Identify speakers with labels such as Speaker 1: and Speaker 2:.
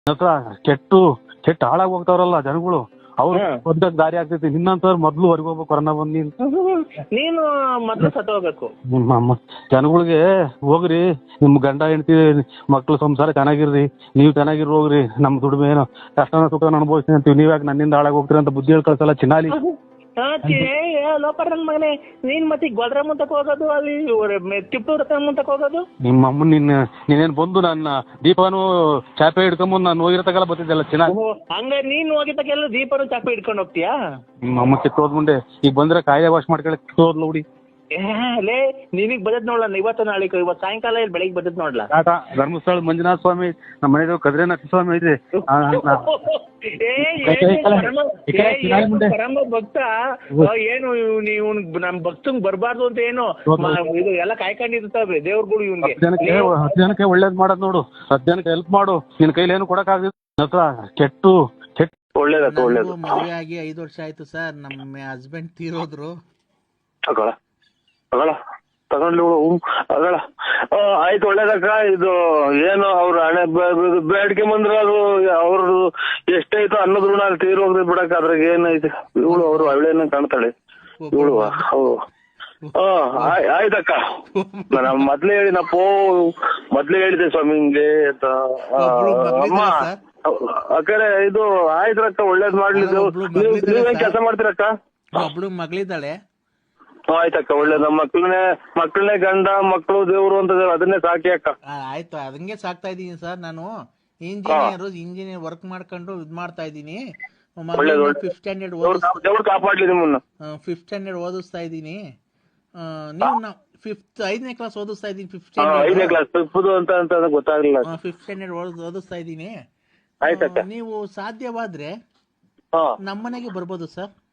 Speaker 1: ಹತ್ರ ಕೆಟ್ಟ ಹಾಳಾಗಿ ಹೋಗ್ತಾವ್ರಲ್ಲ ಜನಗಳು, ಅವ್ರು ಒಂದಾಗ ದಾರಿ ಆಗ್ತೈತಿ. ನಿನ್ನಂತವ್ರು ಮೊದ್ಲು ಹೊರಗೆ ಹೋಗ್ಬೇಕು, ಕೊರೋನಾ ಬಂದ್
Speaker 2: ನೀನು ಮೊದ್ಲು ಸತ್ತು ಹೋಗ್ಬೇಕು.
Speaker 1: ಜನಗಳಿಗೆ ಹೋಗ್ರಿ, ನಿಮ್ ಗಂಡ ಹೆಂಡತಿ ಮಕ್ಳು ಸಂಸಾರ ಚೆನ್ನಾಗಿರ್ರಿ, ನೀವು ಚೆನ್ನಾಗಿರ್ ಹೋಗ್ರಿ, ನಮ್ ದುಡಿಮೆ ಏನೋ ಕಷ್ಟನ ಸುಖನ ಅನುಭವಿಸ್ತೀನಿ ಅಂತೀವಿ, ನೀವ್ಯಾಕೆ ನನ್ನಿಂದ ಹಾಳಾಗಿ ಹೋಗ್ತೀರಿ ಅಂತ ಬುದ್ಧಿ ಹೇಳ್ಕಳ್ಸಲ್ಲ ಚಿನ್ನಾಲಿ.
Speaker 2: ಲೋಪರ್ ನನ್ ಮಗನೇ, ನೀನ್ ಮತ್ತೆ ಗೊಲ್ರ ಮುಂತಕ್ ಹೋಗೋದು, ಅಲ್ಲಿ ಟಿಪ್ಪು ರತ್ನ ಮುಂತಕ್ ಹೋಗೋದು.
Speaker 1: ನಿಮ್ಮ ಅಮ್ಮ ನೀನೇನ್ ಬಂದು ನನ್ನ ದೀಪನು ಚಾಪೆ ಹಿಡ್ಕೊಂಬಂದು ನಾನು ಹೋಗಿರತಕ್ಕಲ್ಲ ಬರ್ತಿದ್ದೆಲ್ಲ ಚೆನ್ನಾಗಿ.
Speaker 2: ಹಂಗ ನೀನ್ ಹೋಗಿದ್ದಕ್ಕೆಲ್ಲ ದೀಪನು ಚಾಪೆ ಹಿಡ್ಕೊಂಡು ಹೋಗ್ತೀಯಾ?
Speaker 1: ನಿಮ್ಮ ಅಮ್ಮ ಕಿತ್ತೋದ್ ಮುಂದೆ ಈಗ ಬಂದ್ರೆ ಕಾಯ ವಾಶ್ ಮಾಡ್ಕೊಳಕ್ ಕಿತ್ತೋದ್ಲ ಹುಡಿ.
Speaker 2: ಲೇ ನಿನಗ್ ಬದತ್ ನೋಡ್ಲ ಇವತ್ತು ನಾಳೆ, ಇವತ್ತು ಸಾಯಂಕಾಲ ಇಲ್ಲಿ ಬೆಳಿಗ್ಗೆ ಬದತ್ ನೋಡ್ಲಾ.
Speaker 1: ಧರ್ಮಸ್ಥಳ ಮಂಜುನಾಥ ಸ್ವಾಮಿ, ನಮ್ಮ ಮನೆ ಕದ್ರೇನಾಥ ಸ್ವಾಮಿ ಐತಿ.
Speaker 2: ಪರಮ ಭಕ್ತ ಏನು ನೀವು ನಮ್ ಭಕ್ತಂಗ್ ಬರ್ಬಾರ್ದು ಅಂತ ಏನು ಇದು ಎಲ್ಲ ಕಾಯ್ಕೊಂಡಿರ್ತಾವೆ ದೇವ್ರುಗಳು ಇವ್ನಿಗೆ.
Speaker 1: 10 ಜನಕ್ಕೆ ಒಳ್ಳೇದ್ ಮಾಡೋದ್ ನೋಡು, 10 ಜನಕ್ಕೆ ಹೆಲ್ಪ್ ಮಾಡು. ನಿನ್ ಕೈಲಿ ಏನು ಕೊಡಕ್ ಆಗದಿಲ್ಲ. ಕೆಟ್ಟು
Speaker 2: ಒಳ್ಳೇದು.
Speaker 3: ಮದುವೆ ಆಗಿ 5 ವರ್ಷ ಆಯ್ತು ಸರ್. ನಮ್ಮ ಹಸ್ಬೆಂಡ್ ತೀರೋದ್ರು.
Speaker 4: ತಗೊಂಡ್ಲು ಅಗಳ ಆಯ್ತು, ಒಳ್ಳೇದಕ್ಕ. ಇದು ಏನು ಅವ್ರ ಹಣೆ ಬೇಡಿಕೆ ಬಂದ್ರ ಅದು ಅವ್ರದ್ದು ಎಷ್ಟೈತೋ ಅನ್ನೋದ್ ಋಣ ಅಲ್ಲಿ ತೀರ್ ಹೋಗ್ರಿ ಬಿಡಕ್, ಅದ್ರಾಗ ಏನೈತೆ. ಇವಳು ಅವ್ರು ಅವಳೇನ ಕಾಣ್ತಾಳೆ ಇವಳು. ಆಯ್ತಕ್ಕ, ನಾನು ಮೊದ್ಲೇ ಹೇಳಿದೆ ಸ್ವಾಮಿ ಹಿಂಗೆ ಅಂತ. ಅಮ್ಮ ಅಕ್ಕರೆ ಇದು ಆಯ್ತ್ರಕ್ಕ, ಒಳ್ಳೇದ್ ಮಾಡ್ಲಿ. ನೀವೇನ್ ಕೆಲಸ ಮಾಡ್ತೀರಕ್ಕ?
Speaker 3: ಒಬ್ಳು ಮಗಳಿದ್ದಾಳೆ.
Speaker 4: ಆಯ್ತಕ್ಕ, ಒಳ್ಳೇದ್. ನಮ್ಮ ಮಕ್ಕಳನ್ನೇ ಗಂಡ ಮಕ್ಕಳು ದೇವ್ರು ಅಂತ ಅದನ್ನೇ ಸಾಕಿ ಅಕ್ಕ.
Speaker 3: ಆಯ್ತು, ಅದಂಗೆ ಸಾಕ್ತಾ ಇದೀನಿ ಸರ್. ನಾನು ಇಂಜಿನಿಯರ್ ವರ್ಕ್ ಮಾಡ್ಕೊಂಡು ಇದ್ ಮಾಡ್ತಾ ಇದೀನಿ. 5th ಸ್ಟ್ಯಾಂಡರ್ಡ್
Speaker 4: ಕಾಪಾಡ್ಲಿ ನಿಮ್ಮನ್ನ.
Speaker 3: 5th ಸ್ಟ್ಯಾಂಡರ್ಡ್ ಓದಿಸ್ತಾ ಇದೀನಿ. ನೀವು 5ನೇ ಕ್ಲಾಸ್ ಓದಿಸ್ತಾ ಇದೀನಿ.
Speaker 4: 5ನೇ ಕ್ಲಾಸ್ ಅಂತ ಗೊತ್ತಾಗ್ಲಿಲ್ಲ.
Speaker 3: 5th ಸ್ಟ್ಯಾಂಡರ್ಡ್ ಓದಿಸ್ತಾ ಇದೀನಿ.
Speaker 4: ಆಯ್ತಕ್ಕ,
Speaker 3: ನೀವು ಸಾಧ್ಯವಾದ್ರೆ ನಮ್ಮನೆಗೆ ಬರ್ಬೋದು ಸರ್.